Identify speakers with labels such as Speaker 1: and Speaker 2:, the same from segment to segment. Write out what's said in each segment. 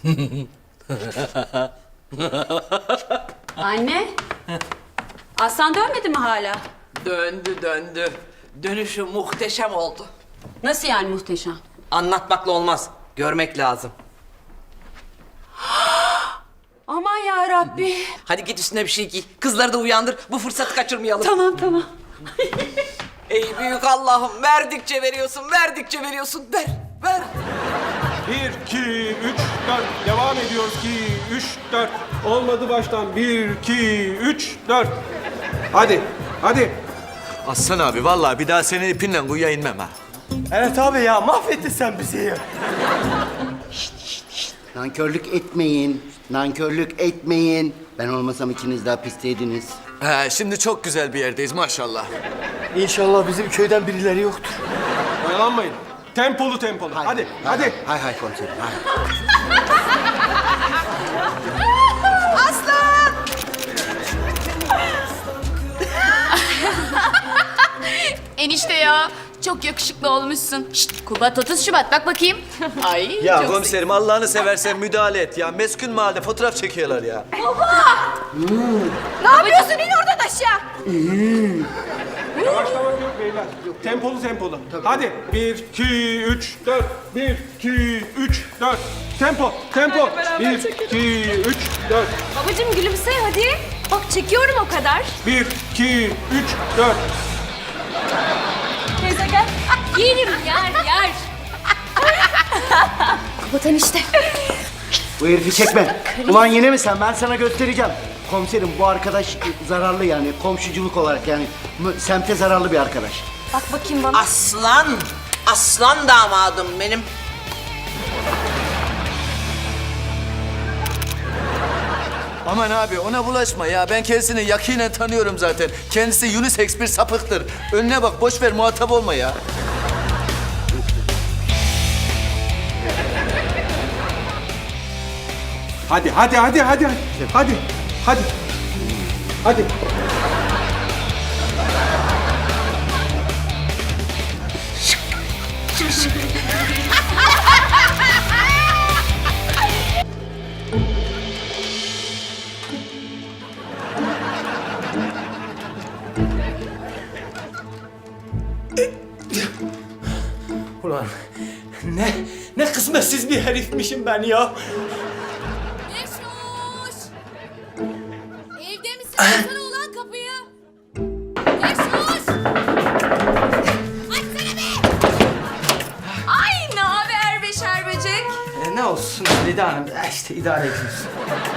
Speaker 1: Anne. Aslan dönmedi mi hala?
Speaker 2: Döndü döndü. Dönüşü muhteşem oldu.
Speaker 1: Nasıl yani muhteşem?
Speaker 2: Anlatmakla olmaz. Görmek lazım.
Speaker 1: Aman ya Rabbi.
Speaker 2: Hadi git üstüne bir şey giy. Kızları da uyandır. Bu fırsatı kaçırmayalım.
Speaker 1: Tamam.
Speaker 2: Ey büyük Allah'ım, verdikçe veriyorsun, verdikçe veriyorsun. Ver.
Speaker 3: 1, 2, 3, 4. Devam ediyoruz. 2, 3, 4. Olmadı baştan. 1, 2, 3, 4. Hadi.
Speaker 4: Aslan abi vallahi bir daha senin ipinle kuyuya inmem ha.
Speaker 5: Evet abi ya mahvettin sen bizi ya.
Speaker 6: Nankörlük etmeyin. Ben olmasam ikiniz de hapisteydiniz.
Speaker 4: He, şimdi çok güzel bir yerdeyiz maşallah.
Speaker 5: İnşallah bizim köyden birileri yoktur.
Speaker 3: Oyalanmayın. Tempolu. Hadi.
Speaker 6: Hay komiserim. Hay.
Speaker 7: Enişte ya. Çok yakışıklı olmuşsun. Şşt, Kubat 30 Şubat bak bakayım. Ay
Speaker 4: Ya
Speaker 7: çok
Speaker 4: komiserim Allah'ını seversen müdahale et ya. Meskun mahallede fotoğraf çekiyorlar ya.
Speaker 7: Ne yapıyorsun? İn oradan aşağı.
Speaker 3: Yavaşlamak yok beyler. Tempolu. Hadi. 1, 2, 3, 4. 1, 2, 3, 4. Tempo. 1, 2, 3, 4.
Speaker 7: Babacığım gülümse hadi. Bak çekiyorum o kadar.
Speaker 3: 1, 2, 3, 4.
Speaker 7: Teyze gel. Yerim yer. Kubat enişte.
Speaker 6: Bu herifi çekme. Ulan yine mi sen? Ben sana göstereceğim. Komiserim bu arkadaş zararlı yani. Komşuculuk olarak yani. Semte zararlı bir arkadaş.
Speaker 7: Bak bakayım bana.
Speaker 2: Aslan damadım benim.
Speaker 4: Aman abi ona bulaşma ya. Ben kendisini yakinen tanıyorum zaten. Kendisi unisex bir sapıktır. Önüne bak boş ver muhatap olma ya.
Speaker 3: Hadi.
Speaker 5: Ulan ne kısmetsiz bir herifmişim ben ya.
Speaker 7: Mesut! Evde misin? Açsana ulan kapıyı. Mesut! Açsana be! Ay ne haber beşer böcek?
Speaker 5: Ne olsun Lida Hanım işte idare ediyoruz.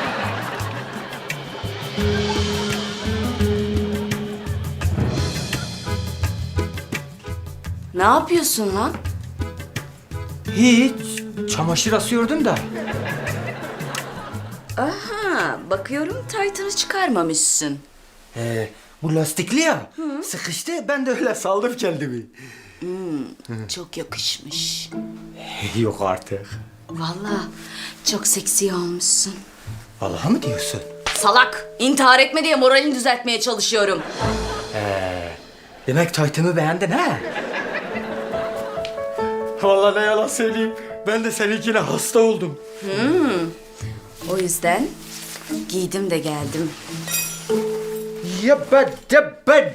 Speaker 1: Ne yapıyorsun lan?
Speaker 5: Hiç çamaşır asıyordum da.
Speaker 1: Aha, bakıyorum taytını çıkarmamışsın.
Speaker 5: Bu lastikli ya. Sıkıştı ben de öyle saldım kendimi.
Speaker 1: Çok yakışmış.
Speaker 5: Yok artık.
Speaker 1: Vallahi çok seksi olmuşsun.
Speaker 5: Vallahi mı diyorsun?
Speaker 1: Salak! İntihar etme diye moralini düzeltmeye çalışıyorum.
Speaker 5: Demek taytımı beğendin ha? Vallahi ne yalan söyleyeyim. Ben de seninkine hasta oldum.
Speaker 1: O yüzden giydim de geldim.
Speaker 5: Ya ben.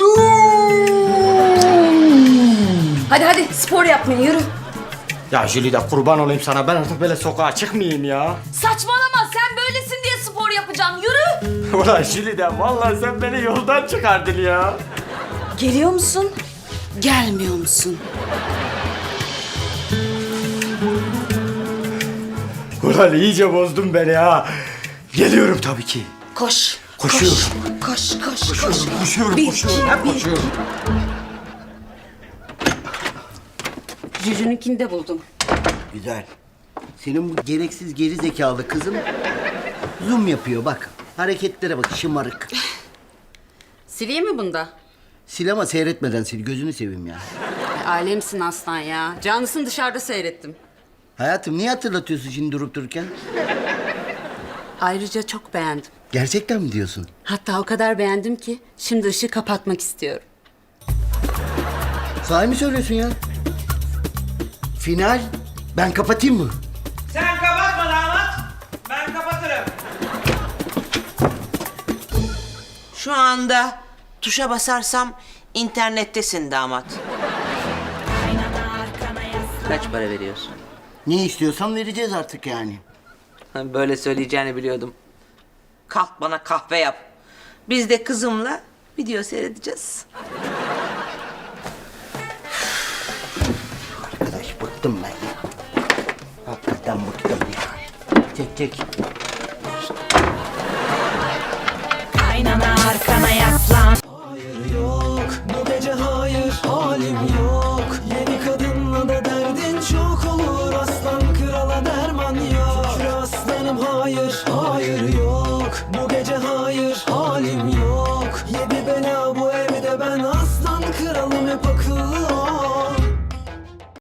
Speaker 1: Hadi spor yapmaya yürü.
Speaker 5: Ya Jülide kurban olayım sana. Ben artık böyle sokağa çıkmayayım ya.
Speaker 1: Saçmalama sen böylesin diye spor yapacağım yürü.
Speaker 5: Ulan Jülide vallahi sen beni yoldan çıkardın ya.
Speaker 1: Geliyor musun? Gelmiyor musun?
Speaker 5: Ulan iyice bozdun beni ha. Geliyorum tabii ki.
Speaker 1: Koş.
Speaker 5: Koşuyorum.
Speaker 1: Koş.
Speaker 5: Koşuyorum. Hep koşuyorum.
Speaker 1: Cücününkini de buldum.
Speaker 6: Güzel. Senin bu gereksiz geri zekalı kızın zoom yapıyor bak. Hareketlere bak şımarık.
Speaker 1: Sileyim mi bunda?
Speaker 6: Sil ama seyretmeden sil. Gözünü seveyim ya.
Speaker 1: Alemsin aslan ya. Canlısını dışarıda seyrettim.
Speaker 6: Hayatım niye hatırlatıyorsun şimdi durup dururken?
Speaker 1: Ayrıca çok beğendim.
Speaker 6: Gerçekten mi diyorsun?
Speaker 1: Hatta o kadar beğendim ki şimdi ışığı kapatmak istiyorum.
Speaker 6: Sahi mi söylüyorsun ya? Final. Ben kapatayım mı?
Speaker 2: Sen kapatma damat. Şu anda tuşa basarsam internettesin damat. Kaç para veriyorsun?
Speaker 6: Ne istiyorsan vereceğiz artık yani.
Speaker 2: Böyle söyleyeceğini biliyordum. Kalk bana kahve yap. Biz de kızımla video seyredeceğiz.
Speaker 6: Arkadaş bıktım ben ya. Hakikaten bıktım ya. Çek.
Speaker 8: Aynana arkana yaslan.
Speaker 9: Yok bu gece hayır halim yok. Yeni kadınla da derdin çok olur.